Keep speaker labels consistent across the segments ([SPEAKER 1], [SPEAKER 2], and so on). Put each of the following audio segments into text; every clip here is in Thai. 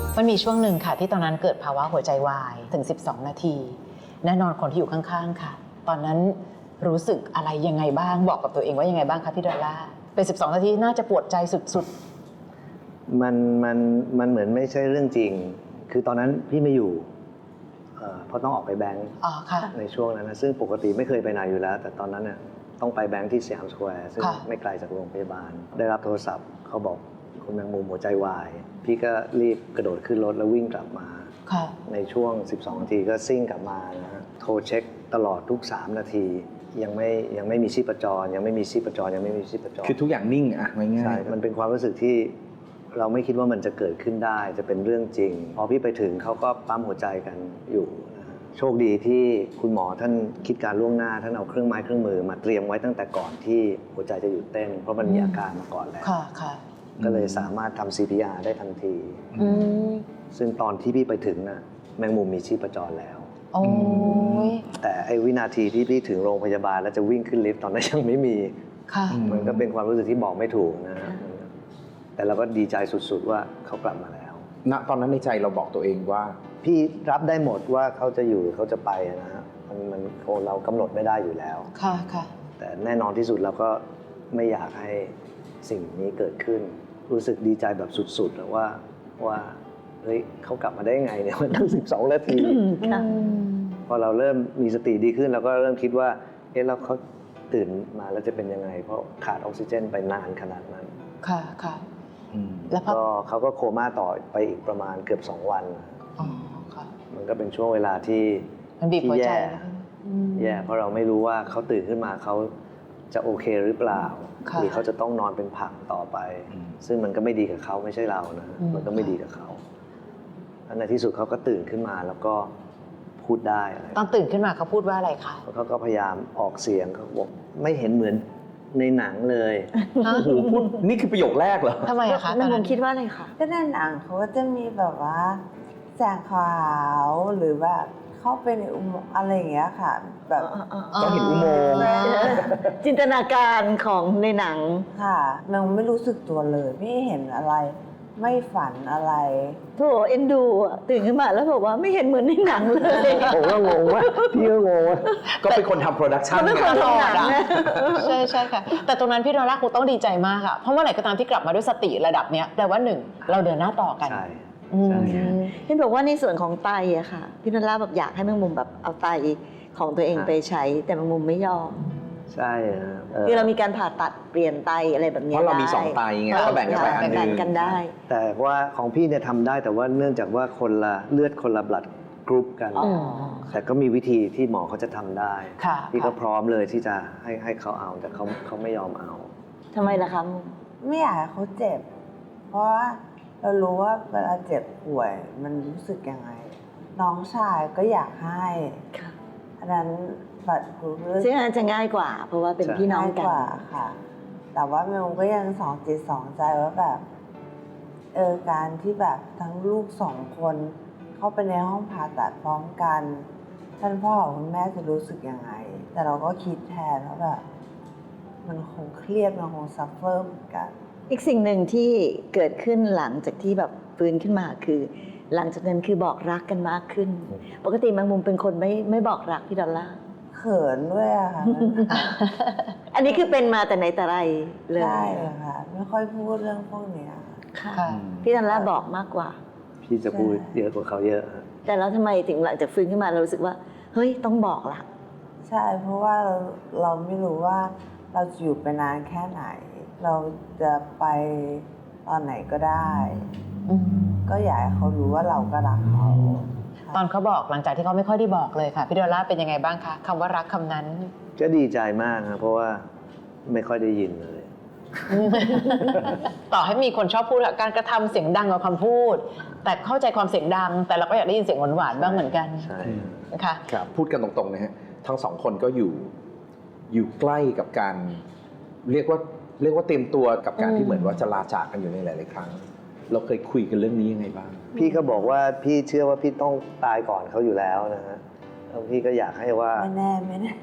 [SPEAKER 1] มันมีช่วงหนึ่งค่ะที่ตอนนั้นเกิดภาวะหัวใจวายถึง12 นาทีแน่นอนคนที่อยู่ข้างๆค่ะตอนนั้นรู้สึกอะไรยังไงบ้างบอกกับตัวเองว่ายังไงบ้างคะพี่ดอลล่าเป็น12 นาทีน่าจะปวดใจสุด
[SPEAKER 2] มันเหมือนไม่ใช่เรื่องจริงคือตอนนั้นพี่ไม่อยู่เพราะต้องออกไปแบงค์ในช่วงนั้นนะซึ่งปกติไม่เคยไปไหนอยู่แล้วแต่ตอนนั้นเนี่ยต้องไปแบงค์ที่สยามสแควร์ซึ่งไม่ไกลจากโรงพยาบาลได้รับโทรศัพท์เขาบอกคุณแมงมุมหัวใจวายพี่ก็รีบกระโดดขึ้นรถแล้ววิ่งกลับมาในช่วง12 นาทีก็ซิ่งกลับมานะโทรเช็คตลอดทุก3 นาทียังไม่มีชีพจรยังไม่มีชีพจร
[SPEAKER 3] คือทุกอย่างนิ่งอะง่ายๆ
[SPEAKER 2] ใช่มันเป็นความรู้สึกที่เราไม่คิดว่ามันจะเกิดขึ้นได้จะเป็นเรื่องจริงพอพี่ไปถึงเขาก็ปั๊มหัวใจกันอยู่นะฮะโชคดีที่คุณหมอท่านคิดการล่วงหน้าท่านเอาเครื่องไม้เครื่องมือมาเตรียมไว้ตั้งแต่ก่อนที่หัวใจจะหยุดเต้นเพราะมันมีอาการมาก่อนแล้วก็เลยสามารถทำ CPR ได้ทันทีซึ่งตอนที่พี่ไปถึงน่ะแมงมุมมีชีพจรแล้วแต่ไอ้วินาทีที่พี่ถึงโรงพยาบาลแล้วจะวิ่งขึ้นลิฟต์ตอนนั้นยังไม่มีมันก็เป็นความรู้สึกที่บอกไม่ถูกนะฮะแต่เราก็ดีใจสุดๆว่าเขากลับมาแล้ว
[SPEAKER 3] ณตอนนั้นในใจเราบอกตัวเองว่า
[SPEAKER 2] พี่รับได้หมดว่าเขาจะอยู่หรือเขาจะไปนะฮะมันเรากำหนดไม่ได้อยู่แล้วแต่แน่นอนที่สุดเราก็ไม่อยากให้สิ่งนี้เกิดขึ้นรู้สึกดีใจแบบสุดๆว่าเฮ้ยเขากลับมาได้ไงเนี่ยมันตั้ง12 นาทีพอเราเริ่มมีสติดีขึ้นเราก็เริ่มคิดว่าเอ๊ะแล้วเขาตื่นมาแล้วจะเป็นยังไงเพราะขาดออกซิเจนไปนานขนาดนั้นแล้วก็เขาก็โคม่าต่อไปอีกประมาณเกือบ2 วันมันก็เป็นช่วงเวลาที่แย่เพราะเราไม่รู้ว่าเขาตื่นขึ้นมาเขาจะโอเคหรือเปล่าหรือเขาจะต้องนอนเป็นผักต่อไปซึ่งมันก็ไม่ดีกับเขาไม่ใช่เรานะมันก็ไม่ดีกับเขาในที่สุดเขาก็ตื่นขึ้นมาแล้วก็พูดได้
[SPEAKER 1] ตอนตื่นขึ้นมาเขาพูดว่าอะไรคะ
[SPEAKER 2] เขาก็พยายามออกเสียงเขาบอกไม่เห็นเหมือนในหนังเลย
[SPEAKER 3] พูดนี่คือประโยคแรกเหรอ
[SPEAKER 1] ทำไมอะคะ
[SPEAKER 4] ตอนนั้นคิดว่าอะไรคะ
[SPEAKER 5] ก็ในหนังเขาก็จะมีแบบว่าแสงขาวหรือแบบเข้าไปในอุโมงค์อะไรอย่างเงี้ยค่ะแบบ
[SPEAKER 3] ก็เห็นอุโมงค์
[SPEAKER 4] จินตนาการของในหนัง
[SPEAKER 5] ค่ะมันไม่รู้สึกตัวเลยไม่เห็นอะไรไม่ฝันอะไร
[SPEAKER 4] โถเอ็นดูตื่นขึ้นมาแล้วบอกว่าไม่เห็นเหมือนในหนังเลย
[SPEAKER 2] ผมก็งงว่าพี่ก็งงว่า
[SPEAKER 3] ก็เป็นคนทำโปรดักชั่น
[SPEAKER 4] เป็นคนทำหนัง
[SPEAKER 1] ใช่ค่ะแต่ตรงนั้นพี่ดอลล่าคงต้องดีใจมากอะเพราะเมื่อไหร่ก็ตามที่กลับมาด้วยสติระดับเนี้ยแปลว่า1เราเดินหน้าต่อกัน
[SPEAKER 4] เห็นบอกว่าในส่วนของไตอะค่ะพี่ดอลล่าแบบอยากให้แมงมุมแบบเอาไตของตัวเองไปใช้แต่แมงมุมไม่ยอม
[SPEAKER 2] ใช่
[SPEAKER 4] คือเรามีการผ่าตัดเปลี่ยนไตอะไรแบบนี้
[SPEAKER 3] เพราะเรามี2 ไตไงก็แบ่งกันไปอันนึง
[SPEAKER 4] กันได้
[SPEAKER 2] แต่ว่าของพี่เนี่ยทำได้แต่ว่าเนื่องจากว่าคนละเลือดคนละบลัดกรุ๊ปกันแต่ก็มีวิธีที่หมอเขาจะทำได้พี่ก็พร้อมเลยที่จะให้เขาเอาแต่เขาไม่ยอมเอา
[SPEAKER 4] ทำไมล่ะคะ
[SPEAKER 5] ไม่อยากให้เขาเจ็บเพราะว่าเรารู้ว่าเวลาเจ็บป่วยมันรู้สึกยังไงน้องชายก็อยากให้อันนั้นบัตรกรุ๊ป
[SPEAKER 4] ซึ่งอาจจะง่ายกว่าเพราะว่าเป็นพี่น้องกัน
[SPEAKER 5] ค่ะแต่ว่าแมวก็ยังสองจิตสองใจว่าแบบการที่แบบทั้งลูก2 คนเข้าไปในห้องผ่าตัดพร้อมกันท่านพ่อกับคุณแม่จะรู้สึกยังไงแต่เราก็คิดแทนว่าแบบมันคงเครียดมันคงซัฟเฟอร์เหมือนกัน
[SPEAKER 4] อีกสิ่งหนึ่งที่เกิดขึ้นหลังจากที่แบบฟื้นขึ้นมาคือหลังจากนั้นคือบอกรักกันมากขึ้นปกติแมงมุมเป็นคนไม่บอกรักพี่ดอลล่า
[SPEAKER 5] เขินด้วยอะค่ะ
[SPEAKER 4] อันนี้คือเป็นมาแต่ไหนแต่ไรเลย
[SPEAKER 5] ใช่ค่ะไม่ค่อยพูดเรื่องพวกนี้
[SPEAKER 4] ค่ะพี่ดอลล่าบอกมากกว่า
[SPEAKER 2] พี่จะพูดเยอะกว่าเขาเยอะ
[SPEAKER 4] แต่แล้วทำไมถึงหลังจากฟื้นขึ้นมาเรารู้สึกว่าเฮ้ยต้องบอกละ
[SPEAKER 5] ใช่เพราะว่าเราไม่รู้ว่าเราจะอยู่ไปนานแค่ไหนเราจะไปตอนไหนก็ได้ก็อยากให้เขารู้ว่าเราก็รักเขา
[SPEAKER 1] ตอนเขาบอกหลังจากที่เขาไม่ค่อยได้บอกเลยค่ะพี่ดอลล่าเป็นยังไงบ้างคะคำว่ารักคำนั้น
[SPEAKER 2] ก็ดีใจมากครับเพราะว่าไม่ค่อยได้ยินเลย
[SPEAKER 1] ต่อให้มีคนชอบพูดการกระทำเสียงดังกว่าคำพูดแต่เข้าใจความเสียงดังแต่เราก็อยากได้ยินเสียงหวานๆบ้างเหมือนกัน
[SPEAKER 2] ใช่
[SPEAKER 1] ค่ะ
[SPEAKER 3] ครับพูดกันตรงๆนะฮะทั้ง2 คนก็อยู่ใกล้กับการเรียกว่าเตรียมตัวกับการที่เหมือนว่าจะลาจากกันอยู่ในหลายๆครั้งเราเคยคุยกันเรื่องนี้ยังไงบ้าง
[SPEAKER 2] พี่ก็บอกว่าพี่เชื่อว่าพี่ต้องตายก่อนเขาอยู่แล้วนะฮะแล้วพี่ก็อยากให้ว่า
[SPEAKER 5] ไม่แน่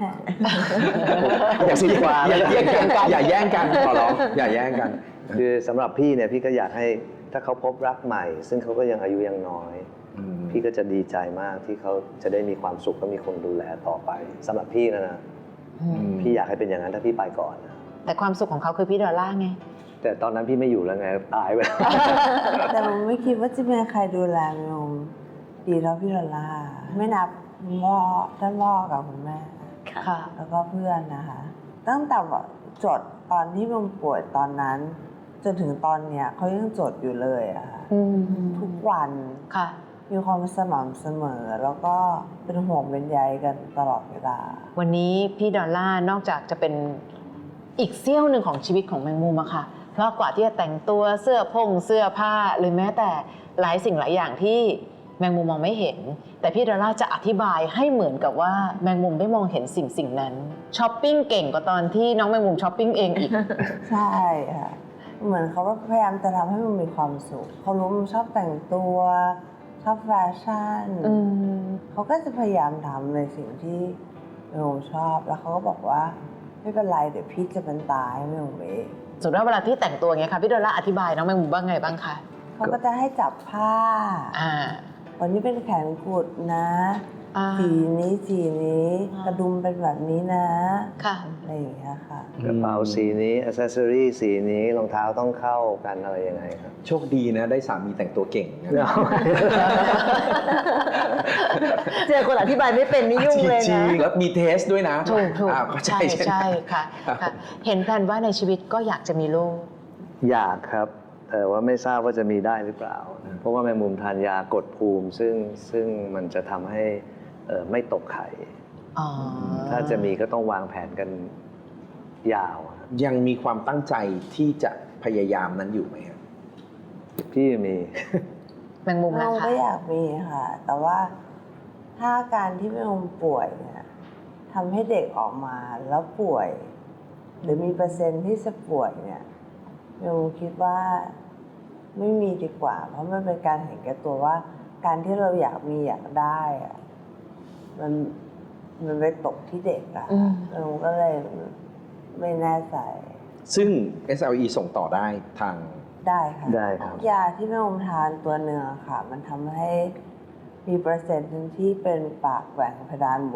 [SPEAKER 3] อย่าแย่งกันขอร้องอย่าแย่งกัน
[SPEAKER 2] คือสำหรับพี่เนี่ยพี่ก็อยากให้ถ้าเขาพบรักใหม่ ซึ่งเขาก็ยังอายุยังน้อย พี่ก็จะดีใจมากที่เขาจะได้มีความสุขและมีคนดูแลต่อไปสำหรับพี่นะ พี่อยากให้เป็นอย่างนั้นถ้าพี่ไปก่อนนะ
[SPEAKER 1] แต่ความสุขของเขาคือพี่ดอลล่าไง
[SPEAKER 2] แต่ตอนนั้นพี่ไม่อยู่แล้วไงตายไปแล้ว
[SPEAKER 5] แต่ผมไม่คิดว่าจะมีใครดูแลแมงมุมดีเท่าพี่ลอล่าไม่นับท่านพ่อกับคุณแม่
[SPEAKER 1] ค่ะ
[SPEAKER 5] แล้วก็เพื่อนนะคะ ตั้งแต่จดตอนที่แมงมุมป่วยตอนนั้น จนถึงตอนเนี้ยเขายังจดอยู่เลยอะค่ะทุกวัน
[SPEAKER 1] ค่ะ
[SPEAKER 5] มีความสม่ำเสมอ แล้วก็เป็นห่วงเป็นใยกันตลอดเวลา
[SPEAKER 1] วันนี้พี่ดอลล่านอกจากจะเป็นอีกเสี้ยวหนึ่งของชีวิตของแมงมุมอะค่ะ เพราะกว่าที่จะแต่งตัวเสื้อผ้าหรือแม้แต่หลายสิ่งหลายอย่างที่แมงมุมมองไม่เห็น แต่พี่ดอลล่าจะอธิบายให้เหมือนกับว่าแมงมุมได้มองเห็นสิ่งนั้นช้อปปิ้งเก่งกว่าตอนที่น้องแมงมุมช้อปปิ้งเองอีก
[SPEAKER 5] ใช่ค่ะ เหมือนเขาก็พยายามจะทำให้มันมีความสุขเขารู้มันชอบแต่งตัวชอบแฟชั่นเขาก็จะพยายามทำในสิ่งที่แมงมุมชอบแล้วเขาก็บอกว่าไม่เป็นไรเดี๋ยวพี่จะเป็นตาให้แมงมุมเอง
[SPEAKER 1] สมมติว่าเวลาที่แต่งตัวอย่างเงี้ยค่ะพี่ดอลล่าอธิบายน้องแมงมุมบ้างไงบ้างคะ
[SPEAKER 5] เขาก็จะให้จับผ้า วันนี้เป็นแขนกุดนะสีนี้กระดุมเป็นแบบนี้นะ
[SPEAKER 1] ค่ะ
[SPEAKER 5] อะไรอย่างเงี้ยค่ะ
[SPEAKER 2] กระเป๋าสีนี้อ c เซสซอรี่สีนี้รองเท้าต้องเข้ากันอะไรยังไงครับ
[SPEAKER 3] โชคดีนะได้สามีแต่งตัวเก่งนะ
[SPEAKER 4] เจอคนอธิบายไม่เป็นนี่ยุ่งเลย
[SPEAKER 3] จริ
[SPEAKER 4] นะ
[SPEAKER 3] งๆแล้วมีเทสด้วยนะ
[SPEAKER 1] ถูก
[SPEAKER 3] เข้าใจ
[SPEAKER 1] ใช่ค่ะ เห็นแผนว่าในชีวิตก็อยากจะมีลูก
[SPEAKER 2] อยากครับ แต่ว่าไม่ทราบว่าจะมีได้หรือเปล่า เพราะว่าแมงมุมทานยากดภูมิ ซึ่งมันจะทำให้ไม่ตกไข่ ถ้าจะมีก็ต้องวางแผนกันยาว
[SPEAKER 3] ยังมีความตั้งใจที่จะพยายามนั้นอยู่ไหมครับ
[SPEAKER 2] พี่มี
[SPEAKER 1] แมงมุม
[SPEAKER 5] เรา
[SPEAKER 1] นะคะ
[SPEAKER 5] ก็อยากมีค่ะ แต่ว่าถ้าการที่แมงมุมป่วยเนี่ยทำให้เด็กออกมาแล้วป่วย หรือมีเปอร์เซ็นต์ที่จะป่วยเนี่ยแมงมุมคิดว่าไม่มีดีกว่า เพราะมันเป็นการเห็นแก่ตัวว่า การที่เราอยากมีอยากได้อะมันไปตกที่เด็กอะแมงมุมก็เลยไม่แน่ใจ
[SPEAKER 3] ซึ่ง SLE ส่งต่อได้ทาง
[SPEAKER 5] ได้ค่ะ
[SPEAKER 2] ได้ครับ
[SPEAKER 5] ยาที่แม่อมทานตัวเนื้อค่ะ มันทำให้มีเปอร์เซ็นต์หนึ่งที่เป็นปากแหว่งเพดานโหว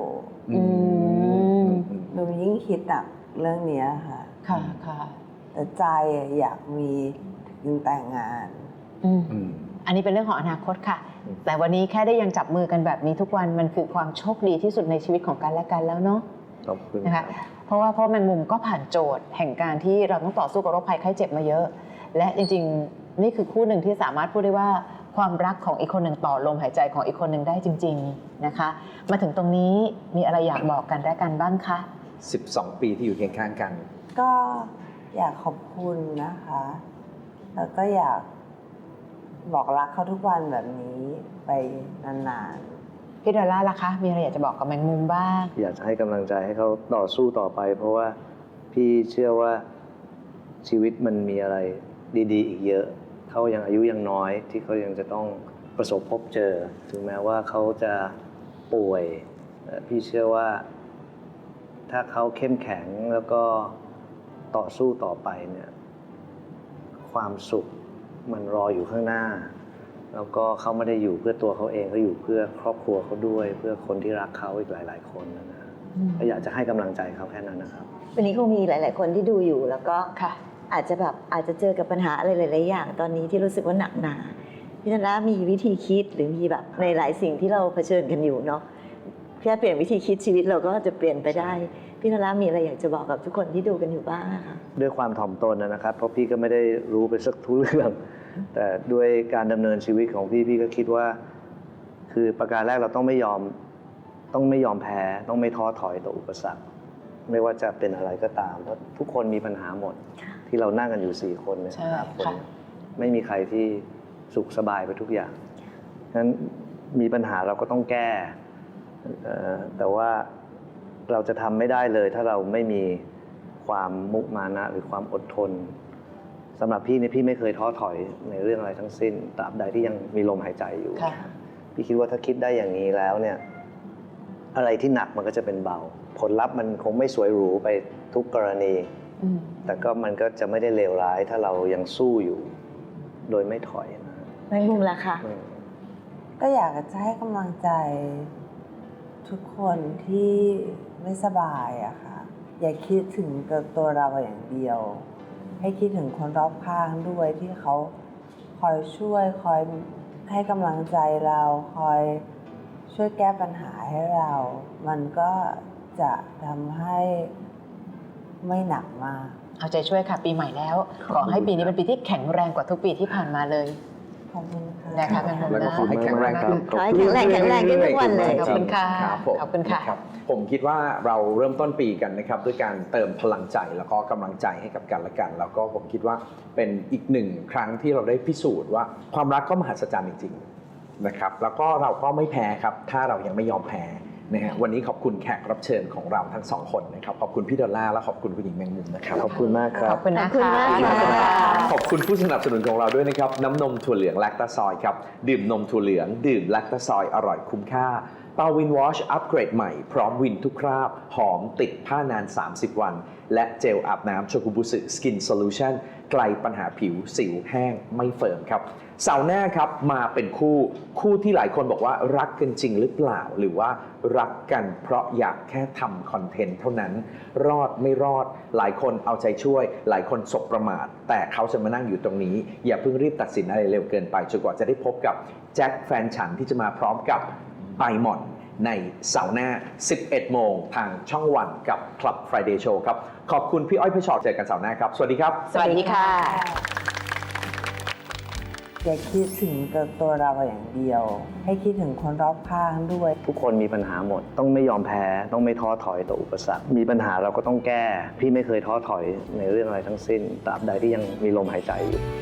[SPEAKER 5] มันยิ่งคิดหนักเรื่องนี้ค่ะ
[SPEAKER 1] ค่ะ
[SPEAKER 5] แต่ใจอยากมีถึงแต่งงาน
[SPEAKER 1] อันนี้เป็นเรื่องของอนาคตค่ะ แต่วันนี้แค่ได้ยังจับมือกันแบบนี้ทุกวันมันคือความโชคดีที่สุดในชีวิตของกันและกันแล้วเนาะ
[SPEAKER 2] ขอบคุณ
[SPEAKER 1] นะคะเพราะแมงมุมก็ผ่านโจทย์แห่งการที่เราต้องต่อสู้กับโรคภัยไข้เจ็บมาเยอะ และจริงๆนี่คือคู่หนึ่งที่สามารถพูดได้ว่าความรักของอีกคนหนึ่งต่อลมหายใจของอีกคนหนึ่งได้จริงๆนะคะมาถึงตรงนี้มีอะไรอยากบอกกันและกันบ้างคะ
[SPEAKER 3] 12 ปีที่อยู่เคียงข้างกัน
[SPEAKER 5] ก็อยากขอบคุณนะคะ แล้วก็อยากบอกรักเขาทุกวันแบบนี้ไปนานๆ
[SPEAKER 1] พี่ดอลล่าล่ะคะ มีอะไรอยากจะบอกกับแมงมุมบ้าง
[SPEAKER 2] อยากจะให้กำลังใจให้เขาต่อสู้ต่อไป เพราะว่าพี่เชื่อว่าชีวิตมันมีอะไรดีๆ อีกเยอะเขายังอายุยังน้อยที่เขายังจะต้องประสบพบเจอ ถึงแม้ว่าเขาจะป่วยพี่เชื่อว่าถ้าเขาเข้มแข็งแล้วก็ต่อสู้ต่อไปเนี่ยความสุขมันรออยู่ข้างหน้า แล้วก็เขาไม่ได้อยู่เพื่อตัวเขาเองเขาอยู่เพื่อครอบครัวเขาด้วย เพื่อคนที่รักเขาอีกหลาย ๆ คนนะก็อยากจะให้กำลังใจเขาแค่นั้นนะครับ
[SPEAKER 4] วันนี้คงมีหลาย ๆ คนที่ดูอยู่แล้วก็
[SPEAKER 1] ค่ะ
[SPEAKER 4] อาจจะเจอกับปัญหาอะไรหลาย ๆ อย่าง ตอนนี้ที่รู้สึกว่าหนักหนาพี่ธนามีวิธีคิดหรือมีแบบในหลายสิ่งที่เราเผชิญกันอยู่เนาะแค่เปลี่ยนวิธีคิดชีวิตเราก็จะเปลี่ยนไปได้พี่ธนามีอะไรอยากจะบอกกับทุกคนที่ดูกันอยู่บ้างคะ
[SPEAKER 2] ด้วยความถ่อมตนนะครับ เพราะพี่ก็ไม่ได้รู้ไปสักทุกเรื่อง แต่ด้วยการดำเนินชีวิตของพี่ก็คิดว่า คือประการแรกเราต้องไม่ยอมแพ้ต้องไม่ท้อถอยต่ออุปสรรคไม่ว่าจะเป็นอะไรก็ตามเพราะทุกคนมีปัญหาหมดที่เรานั่งกันอยู่4 คนเนี่ย
[SPEAKER 1] ใช่
[SPEAKER 2] 5 คน
[SPEAKER 1] ค่ะ
[SPEAKER 2] ไม่มีใครที่สุขสบายไปทุกอย่างงั้นมีปัญหาเราก็ต้องแก้แต่ว่าเราจะทำไม่ได้เลยถ้าเราไม่มีความมุมานะหรือความอดทนสำหรับพี่เนี่ยพี่ไม่เคยท้อถอยในเรื่องอะไรทั้งสิ้นตราบใดที่ยังมีลมหายใจอยู่
[SPEAKER 1] ค่ะ
[SPEAKER 2] พี่คิดว่าถ้าคิดได้อย่างนี้แล้วเนี่ยอะไรที่หนักมันก็จะเป็นเบาผลลัพธ์มันคงไม่สวยหรูไปทุกกรณีแต่ก็มันก็จะไม่ได้เลวร้ายถ้าเรายังสู้อยู่โดยไม่ถอยนะ
[SPEAKER 4] แมงมุมล่ะคะ
[SPEAKER 5] ก็อยากจะให้กำลังใจทุกคนที่ไม่สบายอะค่ะ อย่าคิดถึงกับตัวเราอย่างเดียว ให้คิดถึงคนรอบข้างด้วยที่เขาคอยช่วยคอยให้กำลังใจเราคอยช่วยแก้ปัญหาให้เรา มันก็จะทำให้ไม่หนักมาก
[SPEAKER 1] เอาใจช่วยค่ะปีใหม่แล้ว ขอให้ปีนี้เป็นปีที่แข็งแรงกว่าทุกปีที่ผ่านมาเลย
[SPEAKER 5] ขอบคุณค่ะ
[SPEAKER 1] นะคะเป็น
[SPEAKER 3] แล้วก็ขอให้แข็งแรงขึ้น
[SPEAKER 4] ขอให้แข็งแรงแข็งแรงขึ้นทุกวันเลย
[SPEAKER 1] ขอบคุณค่ะ
[SPEAKER 3] รับผม
[SPEAKER 1] ขอบคุณค่ะ
[SPEAKER 3] รับผมคิดว่าเราเริ่มต้นปีกันนะครับด้วยการเติมพลังใจแล้วก็กำลังใจให้กับกันและกัน แล้วก็ผมคิดว่าเป็นอีกหนึ่งครั้งที่เราได้พิสูจน์ว่าความรักก็มหัศจรรย์จริงๆนะครับแล้วก็เราก็ไม่แพ้ครับถ้าเรายังไม่ยอมแพ้นะฮะวันนี้ขอบคุณแขกรับเชิญของเราทั้งสองคนนะครับขอบคุณพี่ดอลล่าและขอบคุณคุณหญิงแมงมุมนะครับ
[SPEAKER 2] ขอบคุณมากครั
[SPEAKER 1] ข
[SPEAKER 2] บ
[SPEAKER 1] อบคุณนะ
[SPEAKER 4] ขอบคุณ
[SPEAKER 1] คะ
[SPEAKER 4] มากค่ะ
[SPEAKER 3] ขอบคุณผู้สนับสนุนของเราด้วยนะครับน้ำนมถั่วเหลืองแลคตาซอยครับดื่มนมถั่วเหลืองดื่มแลคตาซอยอร่อยคุ้มค่าเตาวินวอชอัปเกรดใหม่พร้อมวินทุกคราบหอมติดผ้านาน 30 วันและเจลอาบน้ำโชกุบุสึสกินโซลูชันไกลปัญหาผิวสิวแห้งไม่เฟิร์มครับเสาร์หน้าครับมาเป็นคู่ที่หลายคนบอกว่ารักกันจริงหรือเปล่าหรือว่ารักกันเพราะอยากแค่ทำคอนเทนต์เท่านั้นรอดไม่รอดหลายคนเอาใจช่วยหลายคนสบประมาทแต่เขาจะมานั่งอยู่ตรงนี้อย่าเพิ่งรีบตัดสินอะไรเร็วเกินไปจนกว่าจะได้พบกับแจ็คแฟนฉันที่จะมาพร้อมกับไบมอนในเสาร์หน้า 11 โมงทางช่องวันกับ Club Friday Show ครับขอบคุณพี่อ้อยพี่ชอตเจอกันเสาร์หน้าครับสวัสดีครับ
[SPEAKER 1] สวัสดีค่ะ
[SPEAKER 5] อย่าคิดถึงกับตัวเราอย่างเดียว ให้คิดถึงคนรอบข้างด้วย
[SPEAKER 2] ทุกคนมีปัญหาหมด ต้องไม่ยอมแพ้ ต้องไม่ท้อถอยต่ออุปสรรค มีปัญหาเราก็ต้องแก้ พี่ไม่เคยท้อถอยในเรื่องอะไรทั้งสิ้น ตราบใดที่ยังมีลมหายใจอยู่